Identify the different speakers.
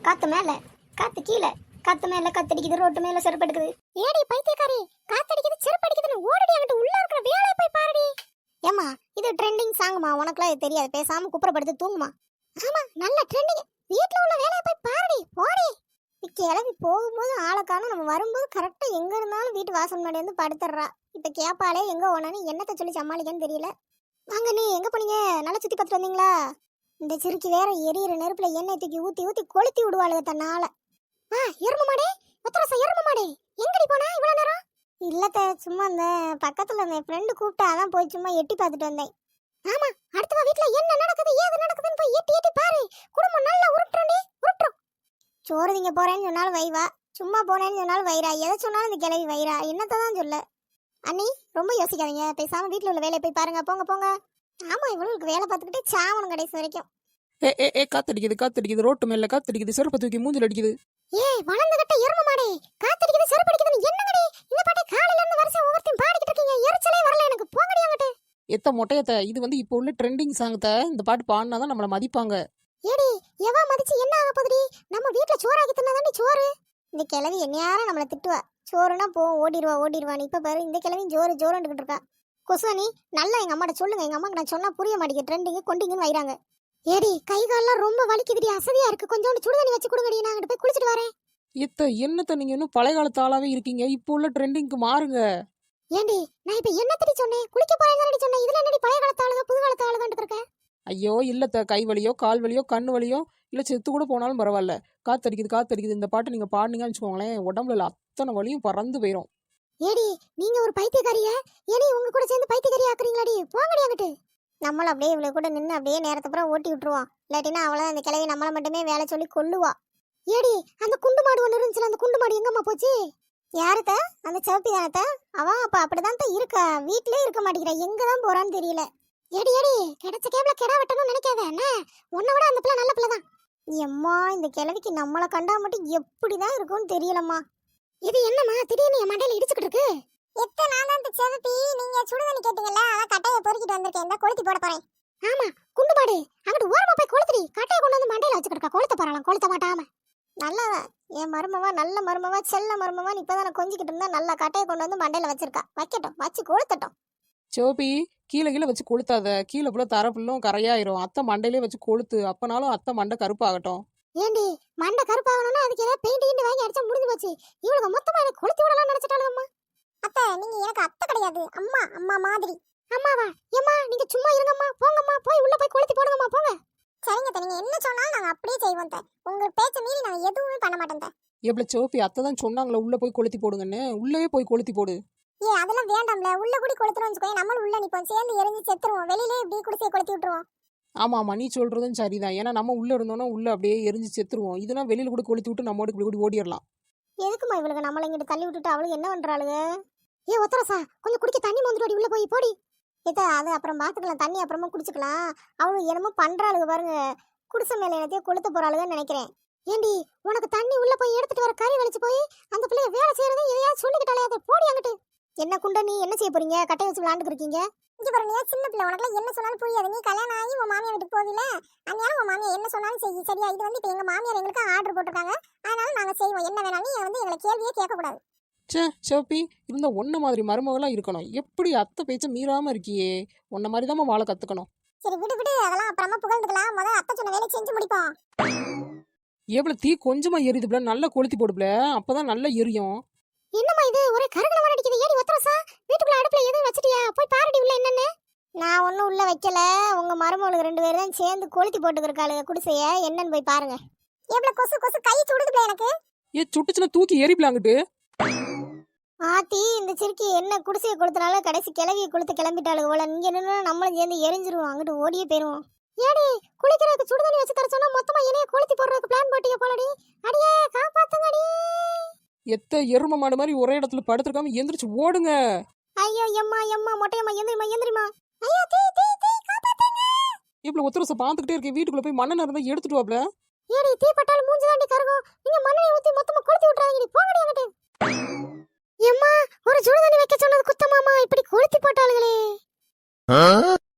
Speaker 1: காத்து மேல காத்து கீழே, காத்து மேல காத்தடிக்குது, ரோட்டு மேல செருப்பு எடுக்குது. ஏடி பைத்தியக்காரி, காத்தடிக்குது செருப்பு அடிக்குதுன்னு ஓடடி அங்கிட்டு உள்ள இருக்கிற வேலையை போய் பாருடி. ஏமா இது ட்ரெண்டிங் சாங்குமா, உனக்குலாம் இது தெரியாது, பேசாம குப்புறப்படுத்து தூங்குமா. ஆமா நல்ல ட்ரெண்டிங், வீட்டுல உள்ள வேலையை போய் பாருடி போடி. கிளம்பி போகும்போது ஆளைக்கான, நம்ம வரும்போது கரெக்டா எங்க இருந்தாலும் வீட்டு வாசல் முன்னாடி வந்து படுத்துடுறா. இப்ப கேப்பாலே எங்க ஓனானு என்னத்த சொல்லி சமாளிக்கன்னு தெரியல. வாங்க, நீ எங்க போனீங்க? நல்லா சுத்தி பார்த்துட்டு வந்தீங்களா? இந்த சிறுக்கி வேற எரியிற நெருப்புல எண்ணெய் தூக்கி ஊத்தி ஊத்தி கொளுத்தி விடுவாளுக தன்னால. எரும மாடே, ஒத்தரசா எரும மாடே, எங்கடி போனா இவ்வளவு நேரம்? இல்லத்த, சும்மா அந்த பக்கத்துல என் ஃப்ரெண்டு கூப்பிட்டா, அதான் போய் சும்மா எட்டி பார்த்துட்டு வந்தேன். ஆமா, அடுத்த வீட்டுல என்ன நடக்குது ஏது நடக்குதுன்னு போய் எட்டி எட்டி பாரு. குடும்பம் நல்லா உருட்டுறே உருட்டுறோம். சோறு திங்க போறேன்னு சொன்னாலும் வைவா, சும்மா போனேன்னு சொன்னாலும் வைரா, எதை சொன்னாலும் இந்த கிளவி வைரா, என்னத்தான் சொல்ல. அண்ணி ரொம்ப யோசிக்காதீங்க, பேசாம வீட்டுல உள்ள வேலையை போய் பாருங்க, போங்க போங்க. ஆமா, இவளுக்கு வேலை பார்த்துக்கிட்டே சாவணும் கடைசி வரைக்கும்.
Speaker 2: காத்தடிக்குது காத்தடிக்குது, ரோட்டு மேல காத்தடிக்குது, செருப்பு தூக்கி மூஞ்சில அடிக்குது.
Speaker 1: வளர்ந்துகிட்ட எரும மாடே, காத்தடிக்குது செருப்பு அடிக்குதுன்னு என்னங்கடி இந்த பாட்டை காலையில இருந்து வருஷம் ஒவ்வொருத்தையும் பாடிக்கிட்டு இருக்கீங்க? எரிச்சலே வரல எனக்கு, போங்கடி அங்கிட்டு.
Speaker 2: எத்த மொட்டையத்த, இது வந்து இப்போ உள்ள ட்ரெண்டிங் சாங்கத்த, இந்த பாட்டு பாடினாதான் நம்மள மதிப்பாங்க.
Speaker 1: ஏடி எவா மதிச்சு என்ன ஆக போகுதுடி? நம்ம வீட்டுல சோறாக்கி தின்னாதாண்டி சோறு. இந்த கிழவி என்னையாரும் நம்மள திட்டுவா, சோறுனா போ ஓடிடுவான்னு. இப்ப பாரு, இந்த கிழவி ஜோறு ஜோறுன்னு இருக்கா. கொசுவனி நல்லா எங்க அம்மாட்ட சொல்லுங்க, எங்க அம்மாக்கு நான் சொன்னா புரிய மாட்டேங்குது, ட்ரெண்டிங் கொண்டிங்கன்னு வைறாங்க. ஏடி கை கால்லாம் ரொம்ப வலிக்குதுடி, அசதியா இருக்கு, கொஞ்சோண்டு சுடுதண்ணி வச்சு கொடுங்கடி, நான் அங்கிட்டு போய் குளிச்சுட்டு வரேன்.
Speaker 2: என்னத்த நீங்க இன்னும் பழைய காலத்து ஆளாவே இருக்கீங்க, இப்போ உள்ள ட்ரெண்டிங்க்கு மாறுங்க.
Speaker 1: ஏண்டி நான் இப்ப என்னத்தடி சொன்னேன்? குளிக்க போறேன்னு சொன்னேன், இதுல என்னடி பழைய காலத்து ஆளுங்க புது காலத்து ஆளுங்கன்னு இருக்க?
Speaker 2: ஐயோ இல்லத்த, கை வலியோ கால் வலியோ கண்ணு வலியோ இல்ல செத்து கூட போனாலும் பரவாயில்ல, காத்தடிக்குது காத்தடிக்குது இந்த பாட்டு நீங்க பாடுனீங்கன்னு வச்சுக்கோங்களேன், உடம்புல அத்தனை வலியும் பறந்து போயிடும்.
Speaker 1: ஏடி நீங்க ஒரு பைத்தியக்காரியா? ஏடி உங்க கூட சேர்ந்து பைத்தியக்காரி ஆக்குறீங்களாடி? போங்கடி அங்கிட்டு. நம்மளும் அப்படியே இவ்வளவு கூட நின்று அப்படியே நேரத்தை பூரா ஓட்டி விட்டுருவோம், இல்லாட்டினா அவ்வளவு அந்த கிழவி நம்மளை மட்டுமே வேலை சொல்லி கொல்லுவா. ஏடி அந்த குண்டு மாடு ஒன்று இருந்துச்சுல, அந்த குண்டு மாடு எங்கம்மா போச்சு? யாருத்த? அந்த சிவப்பி தானத்த? அவன் அப்ப அப்படிதான் இருக்கா, வீட்லயே இருக்க மாட்டேங்கிறா, எங்கதான் போறான்னு தெரியல. ஏடி ஏடி கிடைச்ச கேப்ல கெடா வெட்டணும்னு நினைக்காத, என்ன உன்னை விட அந்த பிள்ளை நல்ல பிள்ளை தான். எம்மா இந்த கிழவிக்கு நம்மளை கண்டா மட்டும் எப்படிதான் இருக்கும்னு தெரியலம்மா. இது என்னம்மா திடீர்னு என் மண்டையில இடிச்சுக்கிட்டு இருக்கு? நான் தான் சிவப்பி, நீங்க சுடுதண்ணி கேட்டீங்கல்ல, அதான் கட்டையை பொறுக்கிட்டு வந்திருக்கேன், இந்த கொளுத்தி போட போறேன். ஆமா குண்டு மாடு, அங்கிட்டு ஓரமா போய் கொளுத்துடி, கட்டையை கொண்டு வந்து மண்டையில வச்சுக்கிட்டு கொளுத்த போறாளாம், கொளுத்த மாட்டாம. நல்லவன் என் மருமவா, நல்ல மருமவா, செல்ல மருமவா, இப்பதான் கொஞ்சிக்கிட்டு இருந்தா நல்லா கட்டையை கொண்டு வந்து மண்டையில வச்சிருக்கா, வைக்கட்டும், வச்சு கொளுத்தட்டும்.
Speaker 2: சோபி, கீழே கீழே வச்சு கொளுத்தாத, கீழே புள்ள தர புள்ளும் கரையாயிரும், அத்தை மண்டையிலே வச்சு கொளுத்து, அப்பனாலும் அத்தை மண்டை கருப்பாகட்டும்.
Speaker 1: ஏண்டி மண்டை கருப்பாகணும்னா அதுக்கு ஏதாவது பெயிண்ட் கிண்டி வாங்கி அடிச்சா முடிஞ்சு போச்சு, இவளுக்கு மொத்தமா எனக்கு கொளுத்தி விடலாம் நினைச்சிட்டாளுங்கம்மா. அத்தை நீங்க எனக்கு அத்தை கிடையாது, அம்மா, அம்மா மாதிரி. அம்மாவா? ஏம்மா நீங்க சும்மா இருங்கம்மா, போங்கம்மா, போய் உள்ள போய் கொளுத்தி போடுங்கம்மா, போங்க. சரிங்க, நீங்க என்ன சொன்னாலும் நாங்க அப்படியே செய்வோம். உங்க பேச்ச மீறி நான் எதுவுமே பண்ண மாட்டேன்.
Speaker 2: எவ்வளோ சோபி, அத்தை தான் சொன்னாங்களே உள்ள போய் கொளுத்தி போடுங்கன்னு, உள்ளே போய் கொளுத்தி போடு.
Speaker 1: அதெல்லாம் வேண்டாம்ல, உள்ள கூடி கொளுத்துறோம்னு வச்சுக்கோ, நம்மளும் உள்ள நிப்போம், சேர்ந்து எரிஞ்சு செத்துருவோம், வெளியிலே இப்படி குடிசையை கொளுத்தி விட்டுருவோம்.
Speaker 2: ஆமா நீ சொல்றதும் சரிதான், ஏன்னா நம்ம உள்ள இருந்தோம்னா உள்ள அப்படியே எரிஞ்சு செத்துருவோம், இதெல்லாம் வெளியில கூட கொளுத்தி விட்டு நம்மோட இப்படி கூட ஓடிடலாம்.
Speaker 1: எதுக்குமா இவளுக்கு நம்மள இங்கிட்டு தள்ளி விட்டுட்டு அவளுக்கு என்ன பண்றாளுங்க? ஒத்தரசா கொஞ்சம் குடிக்க தண்ணி மோந்துட்டு உள்ள போய் போடி. அது அப்புறம் பாத்துக்கலாம், தண்ணி அப்புறமா குடிச்சுக்கலாம். அவளுக்கு என்னமோ பண்றாளுங்க பாருங்க, குடிசை மேல என்னத்தையும் கொளுத்த போறாளுங்கன்னு நினைக்கிறேன். ஏண்டி உனக்கு தண்ணி உள்ள போய் எடுத்துட்டு வர கறி வலிச்சு போய் அந்த பிள்ளைய வேலை செய்யறதை எதையாவது சொல்லிக்கிட்டாலே, அதை போடி அங்கிட்டு. என்ன குண்டா, நீ என்ன செய்ய போறீங்க? கட்டை வச்சு விளாண்டுக்கு இருக்கீங்க. இங்க பாரு, நீ சின்ன பிள்ளை, உனக்கு என்ன சொன்னாலும் புரியாது. நீ கல்யாணம் ஆகி உன் மாமியார் வீட்டுக்கு போவில, அதனால உன் மாமியார் என்ன சொன்னாலும் செய்ய, சரியா? இது வந்து இப்ப எங்க மாமியார் எங்களுக்கு ஆர்டர் போட்டிருக்காங்க, அதனால நாங்க செய்வோம், என்ன வேணாலும் நீ வந்து எங்களை கேள்வியே கேட்க கூடாது.
Speaker 2: சோப்பி, இருந்தா ஒன்ன மாதிரி மருமகளா இருக்கணும், எப்படி அத்தை பேச்ச மீறாம இருக்கியே, உன்ன மாதிரி தான் வாழ கத்துக்கணும்.
Speaker 1: சரி விடு விடு, அதெல்லாம் அப்புறமா புகழ்ந்துக்கலாம், முதல்ல அத்தை சொன்ன வேலையை செஞ்சு முடிப்போம்.
Speaker 2: எவ்வளவு தீ கொஞ்சமா எரியுதுல, நல்லா கொளுத்தி போடுப்ல, அப்பதான் நல்லா எரியும்.
Speaker 1: என்னம்மா இது ஒரே கரகல வர அடிக்குது? ஏடி ஒத்தரசா வீட்டுக்குள்ள அடுப்புல எதுவும் வச்சிட்டியா? போய் பாருடி உள்ள என்னன்னு. நான் ஒன்னும் உள்ள வைக்கல, உங்க மருமகளுக்கு 2 பேரும் தான் சேர்ந்து கொளுத்தி போட்டுக்கிருக்காளுங்க குடிசைய, என்னன்னு போய் பாருங்க. எவ்வளவு கொசு கொசு கை சுடுதுல எனக்கு.
Speaker 2: சுட்டுச்சுன்னா தூக்கி எரிப்பலாங்கிட்டு.
Speaker 1: ஆத்தி இந்த சிறுக்கி என்ன குடிசையை கொளுத்தினால கடைசி கிளவியை கொளுத்து கிளம்பிட்டாளுங்க போல, இங்க நின்று நம்மளும் சேர்ந்து எரிஞ்சிருவோம், அங்கிட்டு ஓடியே போயிருவோம். ஏடி குளிக்கிறதுக்கு சுடுதண்ணி வச்சு தர சொன்னா மொத்தமா என்னைய கொளுத்தி போடுறதுக்கு பிளான் போட்டீங்க போலடி. அடியே காப்பாத்துங்கடி.
Speaker 2: எரும மாடு மாதிரி ஒரே இடத்துல படுத்துருக்காம எந்திரிச்சு ஓடுங்க.
Speaker 1: ஐயோ எம்மா எம்மா மொட்டையம்மா, எந்திரிமா. ஐயோ தீ தீ தீ, காப்பாத்துங்க.
Speaker 2: இவ்வளவு ஒத்தரச பாத்துக்கிட்டே இருக்கேன், வீட்டுக்குள்ள போய் மண்ணெண்ணெய் இருந்தா எடுத்துட்டு வாப்ல.
Speaker 1: ஏடி தீ பட்டாலும் மூஞ்சி தாண்டி கருகும், நீங்க மண்ணெண்ணெய் ஊத்தி மொத்தமா கொளுத்தி விட்டுறாதீங்க, போங்கடி அங்கிட்டு. எம்மா ஒரு சுடுதண்ணி வைக்க சொன்னது குத்தமாமா, இப்படி கொளுத்தி போட்டாளுங்களே.